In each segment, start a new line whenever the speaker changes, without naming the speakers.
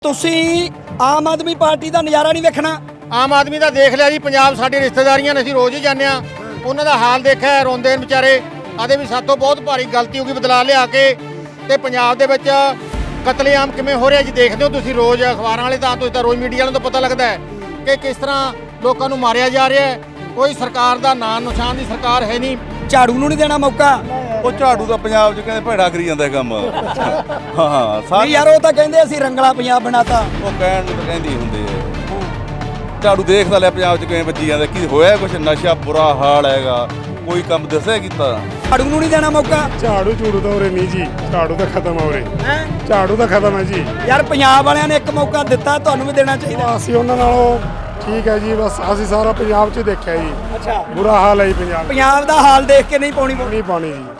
ਤੁਸੀਂ ਆਮ ਆਦਮੀ ਪਾਰਟੀ ਦਾ ਨਜ਼ਾਰਾ ਨਹੀਂ ਵੇਖਣਾ।
ਆਮ ਆਦਮੀ ਦਾ ਦੇਖ ਲਿਆ ਜੀ। ਪੰਜਾਬ ਸਾਡੀ ਰਿਸ਼ਤੇਦਾਰੀਆਂ ਨੇ, ਅਸੀਂ ਰੋਜ਼ ਹੀ ਜਾਂਦੇ ਆ। ਉਹਨਾਂ ਦਾ ਹਾਲ ਦੇਖਿਆ, ਰੋਂਦੇ ਨੇ ਵਿਚਾਰੇ। ਆਦੇ ਵੀ ਸਾਤੋਂ ਬਹੁਤ ਭਾਰੀ ਗਲਤੀ ਹੋ ਗਈ ਬਦਲਾ ਲਿਆ ਕੇ। ਤੇ ਪੰਜਾਬ ਦੇ ਵਿੱਚ ਕਤਲੇਆਮ ਕਿਵੇਂ ਹੋ ਰਿਹਾ ਜੀ, ਦੇਖਦੇ ਹੋ ਤੁਸੀਂ ਰੋਜ਼ ਅਖਬਾਰਾਂ ਵਾਲੇ ਤਾਂ ਤੁਸੀਂ ਤਾਂ ਰੋਜ਼ ਮੀਡੀਆ ਵਾਲਿਆਂ ਤੋਂ ਪਤਾ ਲੱਗਦਾ ਹੈ ਕਿ ਕਿਸ ਤਰ੍ਹਾਂ ਲੋਕਾਂ ਨੂੰ ਮਾਰਿਆ ਜਾ ਰਿਹਾ ਹੈ। ਕੋਈ ਸਰਕਾਰ ਦਾ ਨਾਂ ਨਿਸ਼ਾਨ ਦੀ ਸਰਕਾਰ ਹੈ ਨਹੀਂ।
ਝਾੜੂ ਨੂੰ ਨਹੀਂ ਦੇਣਾ ਮੌਕਾ।
ਉਹ ਝਾੜੂ ਦਾ ਪੰਜਾਬ 'ਚ ਕਹਿੰਦੇ ਭੈੜਾ ਕਰੀ ਜਾਂਦਾ ਕੰਮ। ਹਾਂ
ਨਹੀਂ ਯਾਰ, ਉਹ ਤਾਂ ਕਹਿੰਦੇ ਅਸੀਂ ਰੰਗਲਾ ਪੰਜਾਬ ਬਣਾਤਾ।
ਉਹ ਕਹਿਣ ਨੂੰ ਤਾਂ ਕਹਿੰਦੇ ਹੀ ਹੁੰਦੇ ਆ। ਝਾੜੂ ਦੇਖਦਾ ਲਿਆ ਪੰਜਾਬ 'ਚ ਕਿਵੇਂ ਵੱਜੀ ਜਾਂਦਾ, ਕੀ ਹੋਇਆ ਕੁਛ ਨਸ਼ਾ ਬੁਰਾ ਹਾਲ ਹੈਗਾ, ਕੋਈ ਕੰਮ ਦੱਸਿਆ ਕੀਤਾ।
ਝਾੜੂ ਨੂੰ ਨਹੀਂ ਦੇਣਾ ਮੌਕਾ।
ਝਾੜੂ ਝੂੜੂ ਤਾਂ ਉਰੇ ਨਹੀਂ ਜੀ, ਝਾੜੂ ਤਾਂ ਖਤਮ ਆ ਉਰੇ। ਝਾੜੂ ਤਾਂ ਖਤਮ ਹੈ ਜੀ।
ਯਾਰ ਪੰਜਾਬ ਵਾਲਿਆਂ ਨੇ ਇੱਕ ਮੌਕਾ ਦਿੱਤਾ, ਤੁਹਾਨੂੰ ਵੀ ਦੇਣਾ ਚਾਹੀਦਾ।
ਅਸੀਂ ਉਹਨਾਂ ਨਾਲੋਂ ਠੀਕ ਹੈ ਜੀ। ਬਸ ਅਸੀਂ ਸਾਰਾ ਪੰਜਾਬ 'ਚ ਦੇਖਿਆ ਜੀ।
ਅੱਛਾ,
ਬੁਰਾ ਹਾਲ ਹੈ ਜੀ
ਪੰਜਾਬ ਦਾ ਹਾਲ ਦੇਖ ਕੇ ਨਹੀਂ ਪਾਉਣੀ
ਨਹੀਂ ਪਾਣੀ ਜੀ।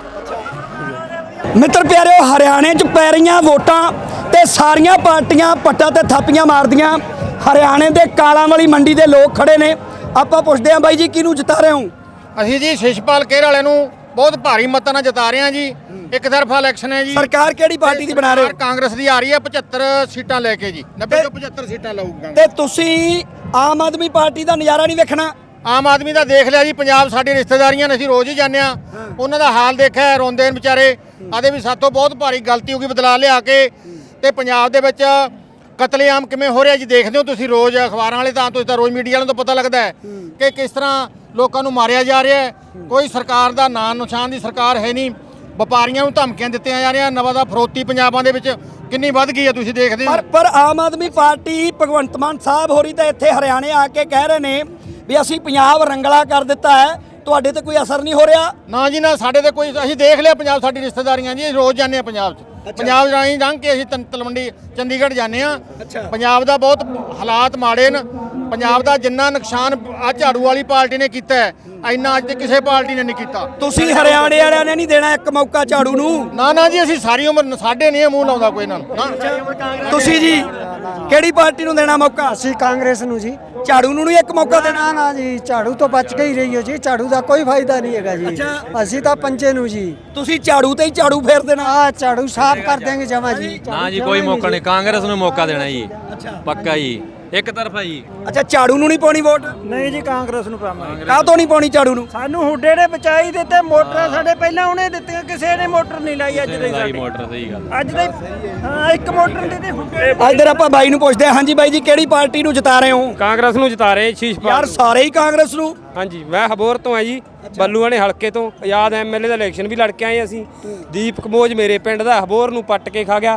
ਮਿੱਤਰ ਪਿਆਰਿਓ, ਹਰਿਆਣੇ 'ਚ ਪੈ ਰਹੀਆਂ ਵੋਟਾਂ ਤੇ ਸਾਰੀਆਂ ਪਾਰਟੀਆਂ ਪੱਟਾਂ ਤੇ ਥਾਪੀਆਂ ਮਾਰਦੀਆਂ। ਹਰਿਆਣੇ ਦੇ ਕਾਲਾਂ ਵਾਲੀ ਮੰਡੀ ਦੇ ਲੋਕ ਖੜੇ ਨੇ। ਆਪਾਂ ਪੁੱਛਦੇ ਹਾਂ ਬਾਈ ਜੀ, ਕਿਹਨੂੰ ਜਿਤਾ ਰਹੇ ਹੋ?
ਅਸੀਂ ਜੀ ਸ਼ਿਸ਼ਪਾਲ ਕੇਰ ਵਾਲਿਆਂ ਨੂੰ ਬਹੁਤ ਭਾਰੀ ਮਤਾਂ ਨਾਲ ਜਿਤਾ ਰਹੇ ਹਾਂ ਜੀ। ਇੱਕ ਤਰਫਾ ਇਲੈਕਸ਼ਨ ਹੈ ਜੀ।
ਸਰਕਾਰ ਕਿਹੜੀ ਪਾਰਟੀ ਦੀ ਬਣਾ ਰਹੇ ਹੋ?
ਕਾਂਗਰਸ ਦੀ ਆ ਰਹੀ ਹੈ 75 ਸੀਟਾਂ ਲੈ ਕੇ ਜੀ। 90 ਤੋਂ 75 ਸੀਟਾਂ ਲਊਗਾ।
ਤੇ ਤੁਸੀਂ ਆਮ ਆਦਮੀ ਪਾਰਟੀ ਦਾ ਨਜ਼ਾਰਾ ਨਹੀਂ ਵੇਖਣਾ।
ਆਮ ਆਦਮੀ ਦਾ ਦੇਖ ਲਿਆ ਜੀ। ਪੰਜਾਬ ਸਾਡੀ ਰਿਸ਼ਤੇਦਾਰੀਆਂ ਨੇ, ਅਸੀਂ ਰੋਜ਼ ਹੀ ਜਾਂਦੇ ਆ। ਉਹਨਾਂ ਦਾ ਹਾਲ ਦੇਖਿਆ, ਰੋਂਦੇ ਨੇ ਵਿਚਾਰੇ। ਆਦੇ ਵੀ ਸਾਤੋਂ ਬਹੁਤ ਭਾਰੀ ਗਲਤੀ ਹੋ ਗਈ ਬਦਲਾ ਲਿਆ ਕੇ। ਤੇ ਪੰਜਾਬ ਦੇ ਵਿੱਚ ਕਤਲੇਆਮ ਕਿਵੇਂ ਹੋ ਰਿਹਾ ਜੀ, ਦੇਖਦੇ ਹੋ ਤੁਸੀਂ ਰੋਜ਼ ਅਖਬਾਰਾਂ ਵਾਲੇ ਤਾਂ ਤੁਸੀਂ ਤਾਂ ਰੋਜ਼ ਮੀਡੀਆ ਵਾਲਿਆਂ ਤੋਂ ਪਤਾ ਲੱਗਦਾ ਹੈ ਕਿ ਕਿਸ ਤਰ੍ਹਾਂ ਲੋਕਾਂ ਨੂੰ ਮਾਰਿਆ ਜਾ ਰਿਹਾ ਹੈ। ਕੋਈ ਸਰਕਾਰ ਦਾ ਨਾਂ ਨਿਸ਼ਾਨ ਦੀ ਸਰਕਾਰ ਹੈ ਨਹੀਂ। ਵਪਾਰੀਆਂ ਨੂੰ ਧਮਕੀਆਂ ਦਿੱਤੀਆਂ ਜਾ ਰਹੀਆਂ। ਨਵਾਂ ਦਾ ਫਰੋਤੀ ਪੰਜਾਬਾਂ ਦੇ ਵਿੱਚ ਕਿੰਨੀ ਵੱਧ ਗਈ ਹੈ, ਤੁਸੀਂ ਦੇਖਦੇ ਹੋ।
ਪਰ ਆਮ ਆਦਮੀ ਪਾਰਟੀ ਭਗਵੰਤ ਮਾਨ ਸਾਹਿਬ ਹੋਰੀ ਤਾਂ ਇੱਥੇ ਹਰਿਆਣੇ ਆ ਕੇ ਕਹਿ ਰਹੇ ਨੇ ਵੀ ਅਸੀਂ ਪੰਜਾਬ ਰੰਗਲਾ ਕਰ ਦਿੱਤਾ ਹੈ। ਤੁਹਾਡੇ ਤੇ ਕੋਈ ਅਸਰ ਨਹੀਂ ਹੋ ਰਿਹਾ?
ਨਾ ਜੀ ਨਾ, ਸਾਡੇ ਤੇ ਕੋਈ। ਅਸੀਂ ਦੇਖ ਲਿਆ ਪੰਜਾਬ ਸਾਡੀ ਰਿਸ਼ਤੇਦਾਰੀਆਂ ਜੀ, ਰੋਜ਼ ਜਾਂਦੇ ਆ ਪੰਜਾਬ 'ਚ। ਪੰਜਾਬ ਰਾਹੀਂ ਲੰਘ ਕੇ ਅਸੀਂ ਤਲਵੰਡੀ ਚੰਡੀਗੜ੍ਹ ਜਾਂਦੇ ਆ। ਪੰਜਾਬ ਦਾ ਬਹੁਤ ਹਾਲਾਤ ਮਾੜੇ ਨੇ। ਪੰਜਾਬ ਦਾ ਜਿੰਨਾ ਨੁਕਸਾਨ ਆ ਝਾੜੂ ਵਾਲੀ ਪਾਰਟੀ ਨੇ ਕੀਤਾ ਹੈ, ਇੰਨਾ ਅੱਜ ਤੇ ਕਿਸੇ ਪਾਰਟੀ ਨੇ ਨਹੀਂ ਕੀਤਾ।
ਤੁਸੀਂ ਹਰਿਆਣੇ ਵਾਲਿਆਂ ਨੇ ਨਹੀਂ ਦੇਣਾ ਇੱਕ ਮੌਕਾ ਝਾੜੂ ਨੂੰ?
ਨਾ ਨਾ ਜੀ, ਅਸੀਂ ਸਾਰੀ ਉਮਰ ਸਾਡੇ ਨਹੀਂ ਮੂੰਹ ਲਾਉਂਦਾ ਕੋਈ ਇਹਨਾਂ ਨੂੰ ਨਾ।
ਤੁਸੀਂ ਜੀ ਕਿਹੜੀ ਪਾਰਟੀ ਨੂੰ ਦੇਣਾ ਮੌਕਾ?
ਅਸੀਂ ਕਾਂਗਰਸ ਨੂੰ ਜੀ।
ਝਾੜੂ ਨੂੰ ਨਹੀਂ ਇੱਕ ਮੌਕਾ ਦੇਣਾ?
ਨਾ ਜੀ, ਝਾੜੂ ਤੋਂ ਬਚ ਕੇ ਹੀ ਰਹੀ ਹੋ ਜੀ। ਝਾੜੂ ਦਾ ਕੋਈ ਫਾਇਦਾ ਨਹੀਂ ਹੈਗਾ ਜੀ। ਅਸੀਂ ਤਾਂ ਪੰਜੇ ਨੂੰ ਜੀ।
ਤੁਸੀਂ ਝਾੜੂ ਤੇ ਹੀ ਝਾੜੂ ਫੇਰ ਦੇਣਾ?
ਆ ਝਾੜੂ ਸਾਫ਼ ਕਰ ਦੇਂਗੇ ਜਮਾ ਜੀ।
ਨਾ ਜੀ, ਕੋਈ ਮੌਕਾ ਨਹੀਂ। ਕਾਂਗਰਸ ਨੂੰ ਮੌਕਾ ਦੇਣਾ ਜੀ, ਪੱਕਾ ਜੀ, ਇੱਕ ਤਰਫਾ ਜੀ।
ਅੱਛਾ, ਝਾੜੂ ਨੂੰ ਨਹੀਂ ਪਾਉਣੀ ਵੋਟ?
ਨਹੀਂ ਜੀ, ਕਾਂਗਰਸ ਨੂੰ ਪਾਵਾਂਗੇ।
ਕਾਹਤੋਂ ਨਹੀਂ ਪਾਉਣੀ ਝਾੜੂ ਨੂੰ?
ਸਾਨੂੰ ਹੁੱਡੇ ਨੇ ਬਚਾਈ ਦਿੱਤੇ। ਮੋਟਰਾਂ ਸਾਡੇ ਪਹਿਲਾਂ ਉਹਨੇ ਦਿੱਤੀਆਂ, ਕਿਸੇ ਨੇ ਮੋਟਰ ਨਹੀਂ ਲਾਈ। ਅੱਜ ਦੇ
ਲਾਈ ਮੋਟਰ, ਸਹੀ ਗੱਲ।
ਅੱਜ ਦੇ ਹਾਂ, ਇੱਕ ਮੋਟਰ ਦੇ ਤੇ ਹੁੱਡੇ।
ਇੱਧਰ ਆਪਾਂ ਬਾਈ ਨੂੰ ਪੁੱਛਦੇ ਹਾਂ। ਹਾਂਜੀ ਬਾਈ ਜੀ, ਕਿਹੜੀ ਪਾਰਟੀ ਨੂੰ ਜਿਤਾ ਰਹੇ ਹੋ?
ਕਾਂਗਰਸ ਨੂੰ ਜਿਤਾ ਰਹੇ ਸ਼ੀਸ਼ਪਾਲ।
ਯਾਰ ਸਾਰੇ ਹੀ ਕਾਂਗਰਸ ਨੂੰ?
ਹਾਂਜੀ, ਮੈਂ ਹਬੋਰ ਤੋਂ ਆ ਜੀ, ਬੱਲੂਆਣੇ ਹਲਕੇ ਤੋਂ। ਆਜ਼ਾਦ ਐਮਐਲਏ ਦਾ ਇਲੈਕਸ਼ਨ ਵੀ ਲੜ ਕੇ ਆਏ ਅਸੀਂ। ਦੀਪ ਕਮੋਜ ਮੇਰੇ ਪਿੰਡ ਦਾ, ਹਬੋਰ ਨੂੰ ਪੱਟ ਕੇ ਖਾ ਗਿਆ।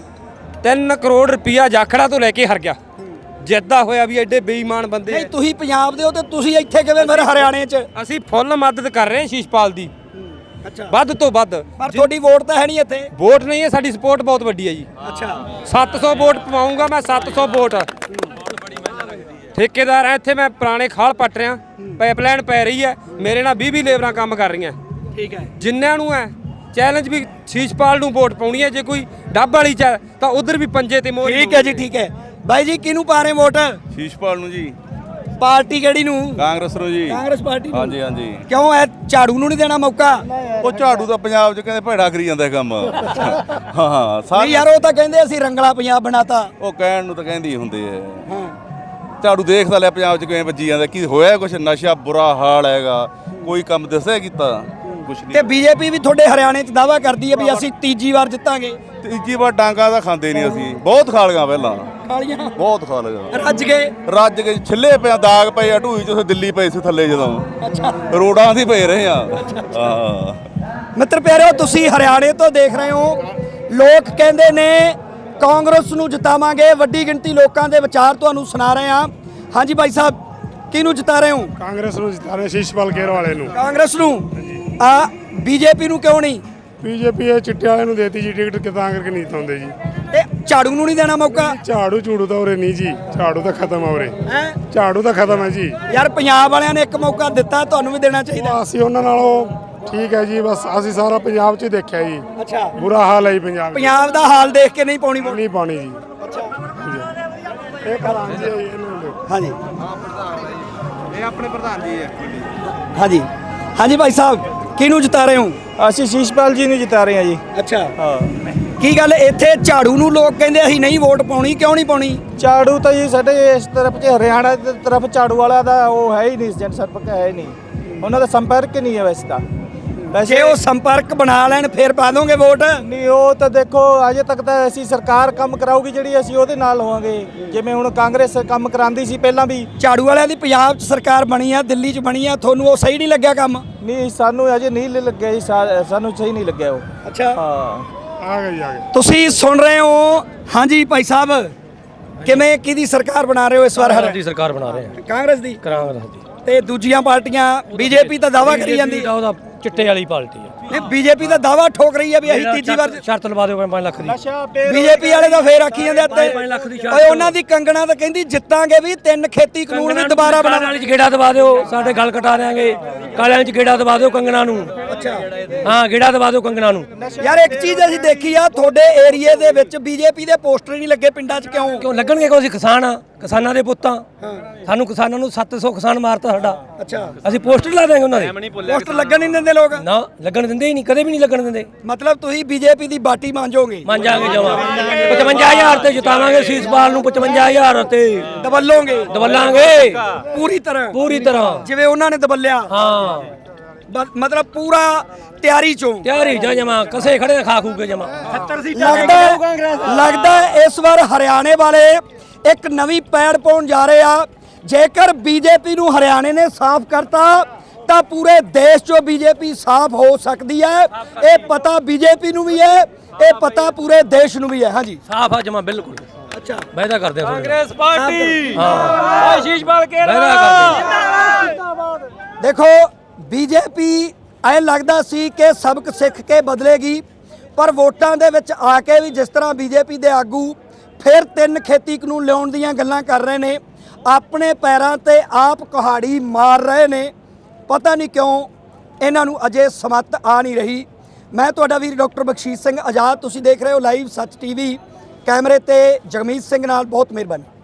3 ਕਰੋੜ ਰੁਪਇਆ ਜਾਖੜਾ ਤੋਂ ਲੈ ਕੇ ਹਰ ਗਿਆ। ਜਿੱਦਾਂ ਹੋਇਆ ਵੀ ਐਡੇ ਬੇਈਮਾਨ ਬੰਦੇ।
ਨਹੀਂ, ਤੁਸੀਂ ਪੰਜਾਬ ਦੇ ਹੋ ਤੇ ਤੁਸੀਂ ਇੱਥੇ ਕਿਵੇਂ ਫਿਰ ਹਰਿਆਣੇ 'ਚ?
ਅਸੀਂ ਫੁੱਲ ਮਦਦ ਕਰ ਰਹੇ ਹਾਂ ਸ਼ੀਸ਼ਪਾਲ ਦੀ, ਵੱਧ ਤੋਂ ਵੱਧ।
ਪਰ ਤੁਹਾਡੀ ਵੋਟ ਤਾਂ ਹੈ ਨਹੀਂ ਇੱਥੇ।
ਵੋਟ ਨਹੀਂ ਹੈ, ਸਾਡੀ ਸਪੋਰਟ ਬਹੁਤ ਵੱਡੀ ਹੈ ਜੀ।
ਅੱਛਾ,
700 ਵੋਟ ਪਵਾਉਂਗਾ ਮੈਂ, 700 ਵੋਟ। ਠੇਕੇਦਾਰ ਆ ਇੱਥੇ, ਮੈਂ ਪੁਰਾਣੇ ਖਾਲ ਪੱਟ ਰਿਹਾ। ਪਾਈਪਲਾਈਨ ਪੈ ਰਹੀ ਹੈ, ਮੇਰੇ ਨਾਲ 20 ਲੇਬਰਾਂ ਕੰਮ ਕਰ ਰਹੀਆਂ।
ਠੀਕ ਹੈ।
ਜਿੰਨਿਆਂ ਨੂੰ ਹੈ ਚੈਲੰਜ ਵੀ ਸ਼ੀਸ਼ਪਾਲ ਨੂੰ ਵੋਟ ਪਾਉਣੀ ਹੈ। ਜੇ ਕੋਈ ਡੱਬ ਵਾਲੀ ਚ ਤਾਂ ਉਧਰ ਵੀ ਪੰਜੇ ਤੇ ਮੋਹਰ।
ਠੀਕ ਹੈ ਜੀ, ਠੀਕ ਹੈ। ਬਾਈ ਜੀ, ਕਿਹਨੂੰ ਪਾ ਰਹੇ ਵੋਟ?
ਸ਼ੀਸ਼ਪਾਲ ਨੂੰ ਜੀ।
ਪਾਰਟੀ ਕਿਹੜੀ ਨੂੰ?
ਕਾਂਗਰਸ ਨੂੰ ਜੀ।
ਕਾਂਗਰਸ ਪਾਰਟੀ ਨੂੰ?
ਹਾਂਜੀ ਹਾਂਜੀ।
ਕਿਉਂ ਐ ਝਾੜੂ ਨੂੰ ਨਹੀਂ ਦੇਣਾ ਮੌਕਾ?
ਉਹ ਝਾੜੂ ਦਾ ਪੰਜਾਬ 'ਚ ਕਹਿੰਦੇ ਭੈੜਾ ਕਰੀ ਜਾਂਦਾ ਕੰਮ। ਹਾਂ
ਨਹੀਂ ਯਾਰ, ਉਹ ਤਾਂ ਕਹਿੰਦੇ ਅਸੀਂ ਰੰਗਲਾ ਪੰਜਾਬ ਬਣਾਤਾ।
ਉਹ ਕਹਿਣ ਨੂੰ ਤਾਂ ਕਹਿੰਦੇ ਹੀ ਹੁੰਦੇ ਆ। ਝਾੜੂ ਦੇਖਦਾ ਲਿਆ ਪੰਜਾਬ 'ਚ ਕਿਵੇਂ ਵੱਜੀ ਜਾਂਦਾ, ਕੀ ਹੋਇਆ ਕੁਛ ਨਸ਼ਾ ਬੁਰਾ ਹਾਲ ਹੈਗਾ, ਕੋਈ ਕੰਮ ਦੱਸਿਆ ਕੀਤਾ ਕੁਛ ਨਹੀਂ।
ਤੇ ਬੀਜੇਪੀ ਵੀ ਤੁਹਾਡੇ ਹਰਿਆਣੇ 'ਚ ਦਾਅਵਾ ਕਰਦੀ ਹੈ ਵੀ ਅਸੀਂ ਤੀਜੀ ਵਾਰ ਜਿੱਤਾਂਗੇ।
ਤੀਜੀ ਵਾਰ ਡਾਂਗਾ ਤਾਂ ਖਾਂਦੇ ਨਹੀਂ ਅਸੀਂ, ਬਹੁਤ ਖਾ ਲਈਆਂ ਪਹਿਲਾਂ,
ਕਾਲੀਆਂ
ਬਹੁਤ ਖਾ ਲਈਆਂ।
ਰੱਜ ਗਏ।
ਛਿੱਲੇ ਪਿਆ, ਦਾਗ ਪਏ ਆ ਢੂਈ 'ਚ। ਉੱਥੇ ਦਿੱਲੀ ਪਏ ਸੀ ਥੱਲੇ, ਜਦੋਂ
ਅੱਛਾ,
ਰੋਡਾਂ 'ਤੇ ਪਏ ਰਹੇ ਆ। ਹਾਂ
ਮਿੱਤਰ ਪਿਆਰਿਓ, ਤੁਸੀਂ ਹਰਿਆਣੇ ਤੋਂ ਦੇਖ ਰਹੇ ਹੋ। ਲੋਕ ਕਹਿੰਦੇ ਨੇ ਕਾਂਗਰਸ ਨੂੰ ਜਿਤਾਵਾਂਗੇ। ਵੱਡੀ ਗਿਣਤੀ ਲੋਕਾਂ ਦੇ ਵਿਚਾਰ ਤੁਹਾਨੂੰ ਸੁਣਾ ਰਹੇ ਹਾਂ। ਹਾਂਜੀ ਬਾਈ ਸਾਹਿਬ, ਕਿਹਨੂੰ ਜਿਤਾ ਰਹੇ ਹੋ?
ਕਾਂਗਰਸ ਨੂੰ ਜਿਤਾ ਰਹੇ, ਸ਼ੀਸ਼ਪਾਲ ਕੇਰ ਵਾਲੇ ਨੂੰ।
ਕਾਂਗਰਸ ਨੂੰ? ਬੀਜੇਪੀ ਨੂੰ ਕਿਉਂ ਨਹੀਂ?
ਬੀਜੇਪੀ ਇਹ ਚਿੱਟੇ ਵਾਲੇ ਨੂੰ ਦੇਤੀ ਜੀ ਟਿਕਟ, ਤਾਂ ਕਰਕੇ ਨਹੀਂ ਜਿਤਾਉਂਦੇ ਜੀ।
ਇਹ ਝਾੜੂ ਨੂੰ ਨਹੀਂ ਦੇਣਾ ਮੌਕਾ?
ਝਾੜੂ ਝੂੜੂ ਤਾਂ ਉਰੇ ਨਹੀਂ ਜੀ। ਝਾੜੂ ਤਾਂ ਖਤਮ ਆ ਉਰੇ। ਝਾੜੂ ਤਾਂ ਖਤਮ ਹੈ ਜੀ।
ਯਾਰ ਪੰਜਾਬ ਵਾਲਿਆਂ ਨੇ ਇੱਕ ਮੌਕਾ ਦਿੱਤਾ, ਤੁਹਾਨੂੰ ਵੀ ਦੇਣਾ ਚਾਹੀਦਾ।
ਅਸੀਂ ਉਹਨਾਂ ਨਾਲੋਂ ਠੀਕ ਹੈ ਜੀ। ਬਸ ਅਸੀਂ ਸਾਰਾ ਪੰਜਾਬ 'ਚ ਦੇਖਿਆ ਜੀ।
ਅੱਛਾ,
ਬੁਰਾ ਹਾਲ ਹੈ ਜੀ ਪੰਜਾਬ।
ਪੰਜਾਬ ਦਾ ਹਾਲ ਦੇਖ ਕੇ ਨਹੀਂ ਪਾਉਣੀ ਵੋਟ?
ਨਹੀਂ ਪਾਣੀ ਜੀ। ਇਹ ਪ੍ਰਧਾਨ ਜੀ
ਹਾਂਜੀ,
ਇਹ ਆਪਣੇ ਪ੍ਰਧਾਨ ਜੀ ਹੈ।
ਹਾਂਜੀ ਹਾਂਜੀ। ਭਾਈ ਸਾਹਿਬ, ਕਿਹਨੂੰ ਜਿਤਾ ਰਹੇ ਹੋ?
ਅਸੀਂ ਸ਼ੀਸ਼ਪਾਲ ਜੀ ਨੂੰ ਜਿਤਾ ਰਹੇ ਹਾਂ ਜੀ।
ਅੱਛਾ,
ਹਾਂ।
ਕੀ ਗੱਲ ਇੱਥੇ ਝਾੜੂ ਨੂੰ ਲੋਕ ਕਹਿੰਦੇ ਅਸੀਂ ਨਹੀਂ ਵੋਟ ਪਾਉਣੀ, ਕਿਉਂ ਨਹੀਂ ਪਾਉਣੀ?
ਝਾੜੂ ਤਾਂ ਜੀ ਸਾਡੇ ਇਸ ਤਰਫ 'ਚ ਹਰਿਆਣਾ ਦੀ ਤਰਫ ਝਾੜੂ ਵਾਲਾ ਦਾ ਉਹ ਹੈ ਹੀ ਨਹੀਂ, ਜਨ ਸੰਪਰਕ ਹੈ ਹੀ ਨਹੀਂ, ਉਹਨਾਂ ਦਾ ਸੰਪਰਕ ਹੀ ਨਹੀਂ ਹੈ ਵੈਸੇ ਤਾਂ।
ਜੇ ਉਹ ਸੰਪਰਕ ਬਣਾ ਲੈਣ ਫਿਰ ਪਾ ਦੋਗੇ ਵੋਟ?
ਨਹੀਂ, ਉਹ ਤਾਂ ਦੇਖੋ ਅਜੇ ਤੱਕ ਤਾਂ ਅਸੀਂ ਸਰਕਾਰ ਕੰਮ ਕਰਾਊਗੀ ਜਿਹੜੀ ਅਸੀਂ ਉਹਦੇ ਨਾਲ ਹੋਵਾਂਗੇ। ਜਿਵੇਂ ਹੁਣ ਕਾਂਗਰਸ ਕੰਮ ਕਰਾਉਂਦੀ ਸੀ ਪਹਿਲਾਂ ਵੀ।
ਝਾੜੂ ਵਾਲਿਆਂ ਦੀ ਪੰਜਾਬ 'ਚ ਸਰਕਾਰ ਬਣੀ ਆ, ਦਿੱਲੀ 'ਚ ਬਣੀ ਆ, ਤੁਹਾਨੂੰ ਉਹ ਸਹੀ ਨਹੀਂ ਲੱਗਿਆ ਕੰਮ?
ਨਹੀਂ, ਸਾਨੂੰ ਅਜੇ ਨਹੀਂ ਲੱਗਿਆ ਜੀ, ਸਾਨੂੰ ਸਹੀ ਨਹੀਂ ਲੱਗਿਆ ਉਹ।
ਅੱਛਾ,
ਹਾਂ,
ਆ ਗਏ ਆ ਗਏ।
ਤੁਸੀਂ ਸੁਣ ਰਹੇ ਹੋ। ਹਾਂਜੀ ਭਾਈ ਸਾਹਿਬ, ਕਿਵੇਂ ਕਿਹਦੀ ਸਰਕਾਰ ਬਣਾ ਰਹੇ ਹੋ ਇਸ ਵਾਰ?
ਦੀ ਸਰਕਾਰ ਬਣਾ ਰਹੇ ਆ,
ਕਾਂਗਰਸ ਦੀ?
ਕਾਂਗਰਸ ਦੀ।
ਤੇ ਦੂਜੀਆਂ ਪਾਰਟੀਆਂ ਬੀਜੇਪੀ ਤਾਂ ਦਾਵਾ ਕਰੀ ਜਾਂਦੀ
ਉਹਦਾ ਚਿੱਟੇ ਵਾਲੀ ਪਾਰਟੀ ਆ।
ਨਹੀਂ, ਬੀਜੇਪੀ ਦਾ ਦਾਵਾ ਠੋਕ ਰਹੀ ਹੈ ਵੀ ਅਸੀਂ ਤੀਜੀ ਵਾਰ।
ਸ਼ਰਤ ਲਵਾ ਦਿਓ 5 ਲੱਖ ਦੀ।
ਬੀਜੇਪੀ ਵਾਲੇ ਤਾਂ ਫੇਰ ਆਖੀ ਜਾਂਦੇ ਅੱਤੇ
5 ਲੱਖ ਦੀ
ਓਏ ਉਹਨਾਂ ਦੀ ਕੰਗਣਾ ਤਾਂ ਕਹਿੰਦੀ ਜਿੱਤਾਂਗੇ ਵੀ 3 ਖੇਤੀ ਕਾਨੂੰਨ ਵੀ ਦੁਬਾਰਾ ਬਣਾ।
ਕਾਲਿਆਂ 'ਚ ਗੇੜਾ ਦਵਾ ਦਿਓ, ਸਾਡੇ ਗੱਲ ਕਟਾ ਦਿਆਂਗੇ। ਕਾਲਿਆਂ 'ਚ ਗੇੜਾ ਦਵਾ ਦਿਓ ਕੰਗਣਾ ਨੂੰ।
ਅੱਛਾ,
ਹਾਂ, ਗੇੜਾ ਦਵਾ ਦਿਓ ਕੰਗਣਾ ਨੂੰ।
ਯਾਰ ਇੱਕ ਚੀਜ਼ ਅਸੀਂ ਦੇਖੀ ਆ, ਤੁਹਾਡੇ ਏਰੀਏ ਦੇ ਵਿੱਚ ਬੀਜੇਪੀ ਦੇ ਪੋਸਟਰ ਨਹੀਂ ਲੱਗੇ ਪਿੰਡਾਂ 'ਚ, ਕਿਉਂ?
ਕਿਉਂ ਲੱਗਣਗੇ? ਕਿਉਂ? ਅਸੀਂ ਕਿਸਾਨ ਆ, ਕਿਸਾਨਾਂ ਦੇ ਪੁੱਤਾਂ। ਸਾਨੂੰ ਕਿਸਾਨਾਂ ਨੂੰ 700 ਕਿਸਾਨ ਮਾਰਤਾ ਸਾਡਾ।
ਅੱਛਾ,
ਅਸੀਂ ਪੋਸਟਰ ਲਾ ਦਿਆਂਗੇ ਉਹਨਾਂ ਦੇ।
ਪੋਸਟਰ ਲੱਗਣ ਨਹੀਂ ਦਿੰਦੇ ਲੋਕ?
ਨਾ, ਲੱਗਣ ਦਿੰਦੇ ਹੀ ਨਹੀਂ, ਕਦੇ ਵੀ ਨਹੀਂ ਲੱਗਣ ਦਿੰਦੇ।
ਮਤਲਬ ਤੁਸੀਂ ਬੀਜੇਪੀ ਦੀ ਬਾਟੀ ਮੰਜੋਗੇ?
ਮੰਜਾਂਗੇ ਜਮਾ 55000 ਤੇ ਜਿਤਾਵਾਂਗੇ ਸੀਸਪਾਲ ਨੂੰ। 55000 ਤੇ
ਦਬਲੋਗੇ?
ਦਬਲਾਂਗੇ
ਪੂਰੀ ਤਰ੍ਹਾਂ?
ਪੂਰੀ ਤਰ੍ਹਾਂ
ਜਿਵੇਂ ਉਹਨਾਂ ਨੇ ਦਬਲਿਆ।
ਹਾਂ,
ਮਤਲਬ ਪੂਰਾ ਤਿਆਰੀ ਚੋਂ?
ਤਿਆਰੀ ਜਾ ਜਮਾ, ਕਸੇ ਖੜੇ ਖਾ ਖੂ ਕੇ ਜਮਾ।
ਲੱਗਦਾ ਇਸ ਵਾਰ ਹਰਿਆਣੇ ਵਾਲੇ ਇੱਕ ਨਵੀਂ ਪੈੜ ਪਾਉਣ ਜਾ ਰਹੇ ਆ। ਜੇਕਰ ਬੀਜੇਪੀ ਨੂੰ ਹਰਿਆਣੇ ਨੇ ਸਾਫ਼ ਕਰਤਾ ਤਾਂ ਪੂਰੇ ਦੇਸ਼ 'ਚੋਂ ਬੀਜੇਪੀ ਸਾਫ਼ ਹੋ ਸਕਦੀ ਹੈ। ਇਹ ਪਤਾ ਬੀਜੇਪੀ ਨੂੰ ਵੀ ਹੈ, ਇਹ ਪਤਾ ਪੂਰੇ ਦੇਸ਼ ਨੂੰ ਵੀ ਹੈ। ਹਾਂਜੀ,
ਸਾਫ ਆ ਜਮਾ, ਬਿਲਕੁਲ।
ਅੱਛਾ,
ਵਾਅਦਾ ਕਰਦੇ ਆ
ਕਾਂਗਰਸ ਪਾਰਟੀ
ਹਾਂ,
ਆਸ਼ੀਸ਼ ਬਾਲ ਕੇ
ਵਾਅਦਾ ਕਰਦੇ।
ਦੇਖੋ ਬੀਜੇਪੀ ਐ ਲੱਗਦਾ ਸੀ ਕਿ ਸਬਕ ਸਿੱਖ ਕੇ ਬਦਲੇਗੀ, ਪਰ ਵੋਟਾਂ ਦੇ ਵਿੱਚ ਆ ਕੇ ਵੀ ਜਿਸ ਤਰ੍ਹਾਂ ਬੀਜੇਪੀ ਦੇ ਆਗੂ ਫਿਰ 3 ਖੇਤੀ ਕਾਨੂੰਨ ਲਿਆਉਣ ਦੀਆਂ ਗੱਲਾਂ ਕਰ ਰਹੇ ਨੇ, ਆਪਣੇ ਪੈਰਾਂ ਤੇ ਆਪ ਕੁਹਾੜੀ ਮਾਰ ਰਹੇ ਨੇ। ਪਤਾ ਨਹੀਂ ਕਿਉਂ ਇਹਨਾਂ ਨੂੰ ਅਜੇ ਸਮੱਤ ਆ ਨਹੀਂ ਰਹੀ। ਮੈਂ ਤੁਹਾਡਾ ਵੀਰ ਡਾਕਟਰ ਬਖਸ਼ੀਸ਼ ਸਿੰਘ ਆਜ਼ਾਦ, ਤੁਸੀਂ ਦੇਖ ਰਹੇ ਹੋ ਲਾਈਵ ਸੱਚ ਟੀਵੀ। ਕੈਮਰੇ ਤੇ ਜਗਮੀਤ ਸਿੰਘ ਨਾਲ ਬਹੁਤ ਮਿਹਰਬਾਨੀ।